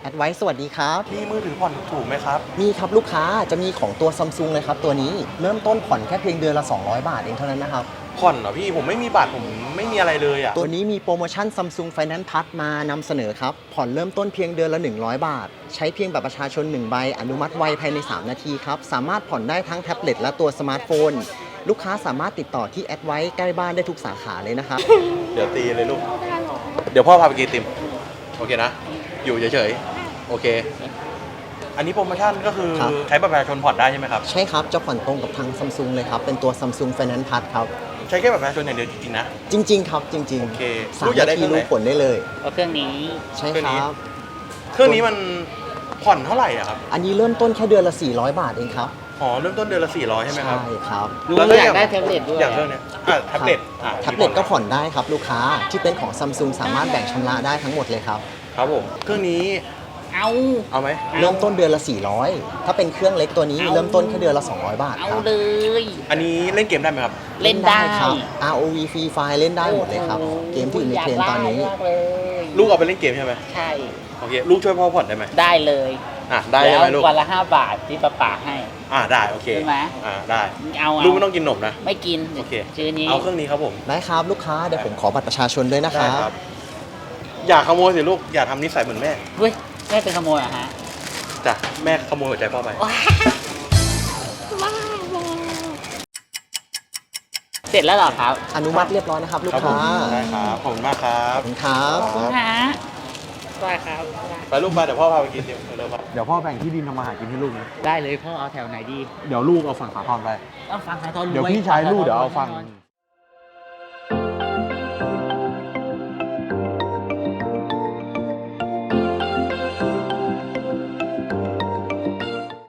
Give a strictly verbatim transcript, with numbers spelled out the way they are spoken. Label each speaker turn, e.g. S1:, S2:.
S1: แอดไว้สวัสดีครับ
S2: มีมือถือผ่อนถูกไหมครับ
S1: มีครับลูกค้าจะมีของตัว Samsung เลยครับตัวนี้เริ่มต้นผ่อนแค่เพียงเดือนละสองร้อยบาทเองเท่านั้นนะครับ
S2: ผ่อนเหรอพี่ผมไม่มีบัตรผมไม่มีอะไรเลยอ่ะ
S1: ตัวนี้มีโปรโมชั่น Samsung Finance Plus มานำเสนอครับผ่อนเริ่มต้นเพียงเดือนละหนึ่งร้อยบาทใช้เพียงบัตรประชาชนหนึ่งใบอนุมัติไวภายในสามนาทีครับสามารถผ่อนได้ทั้งแท็บเล็ตและตัวสมาร์ทโฟนลูกค้าสามารถติดต่อที่แอดไว้ใกล้บ้านได้ทุกสาขาเลยนะครับ
S2: เดี๋ยวตีเลยลูกเดี๋ยวพ่อพาไปกินไอติมโอเคนะอยู่เฉยๆโอเคอันนี้โปรโมชั่นก็คือใช้บัตรประชาชนผ่อนได้ใช่ไหมครับ
S1: ใช่ครับจะผ่อนตรงกับทาง Samsung เลยครับเป็นตัว Samsung Finance Plus ครับ
S2: ใช้แค่บัตรประชาชนอย่างเดียวจริงๆนะ
S1: จริงๆครับจริงๆ
S2: โอเค
S1: สาม
S2: ลูกอยากได้
S1: นาที
S2: เครื่องไหน
S1: รู้ผลได้เลย
S3: เอาเครื่องนี้
S1: ใช่
S2: เครื่อง
S1: ค
S2: นี้
S1: รับ
S2: เครื่องนี้มันผ่อนเท่าไหร่อ่ะครับ
S1: อันนี้เริ่มต้นแค่เดือนละสี่ร้อยบาทเองครับ
S2: อ๋อเริ่มต้นเดือนละสี่ร้อยใช่ไหมครับ
S1: ใช่ครับ
S3: ลุง
S2: แล้ว
S3: อยากได้แท็บเล็ตด้วย
S2: อย่างเครื่องเนี้ยอ่ะแท็บเล็ตอ่ะ
S1: แท็บเล็ตก็ผ่อนได้ครับลูกค้าที่เป็นของ Samsung สามารถแบ่งชำระได้ทั้งหมดเลยครับ
S2: ครับผมเครื่องนี้
S3: เอา
S2: เอาไหม
S1: เริ่มต้นเดือนละสี่ร้อยถ้าเป็นเครื่องเล็กตัวนี้
S3: เอา
S1: เริ่มต้นแค่เดือนละสองร้อยบาท
S3: เอา
S1: ครับ
S3: เลย
S2: อันนี้เล่นเกมได้ไหมครับ
S3: เล่นได้
S1: ครับ อาร์ โอ วี Free Fire เล่นได้หมดเลยครับ
S3: โอ้โห
S1: เกมที่อยู่ในเทรนด์ตอนนี้
S3: ยากได้มากเลย
S2: ลูกเอาไปเล่นเกมใช่ไหม
S3: ใช่
S2: โอเคลูกช่วยพ่อผ่อนได้ไหม
S3: ได้เลย
S2: อ่ะได้ใช่ไหม
S3: แล้
S2: ลู
S3: ว
S2: ก
S3: วันละห้าบาทที่ป้าป๋าให้
S2: อ่ะได้โอเค
S3: ใช่ไหม
S2: อ่ะได้
S3: เอา
S2: ลูก
S3: เอา
S2: ไม่ต้องกินนมนะ
S3: ไม่กิน
S2: โอเค
S3: ชื่อนี้
S2: เอาเครื่องนี้ครับผม
S1: ได้ครับลูกค้าเดี๋ยวผมขอบัตรประชาชนด้วยนะค
S2: ได้
S1: รับ
S2: ครับ อย่าขโมยสิลูกอย่าทำนิสัยเหมือนแม่
S3: เฮ้ยแม่เป็นขโมยเหรอฮะ
S2: จ้ะแม่ขโมยหัวใจพ่อไป
S3: เสร็จแล้วเหรอครับ
S1: อนุมัติเรียบร้อยนะครับลูก
S2: ครับผ
S1: ค้าม
S2: ได้ครับขอบคุณมากครั
S1: ข
S2: บ
S1: อบคุณครับ
S3: คุณฮะได้ครับ
S2: ไปลูกไปเดี๋ยวพ่อพาไปกินเดี๋ยวเร็วครับ
S4: เดี๋ยวพ่อแบ่งที่ดินทำมาหากินให้ลูกนะ
S3: ได้เลยพ่อเอาแถวไหนดี
S4: เดี๋ยวลูกเอาฝั่งขาทอนไป
S3: ต้องฟังสายทอนรวย
S4: เดี๋ยวพี่ชายลูกเดี๋ยวเอาฝั่ง
S3: แน่นอน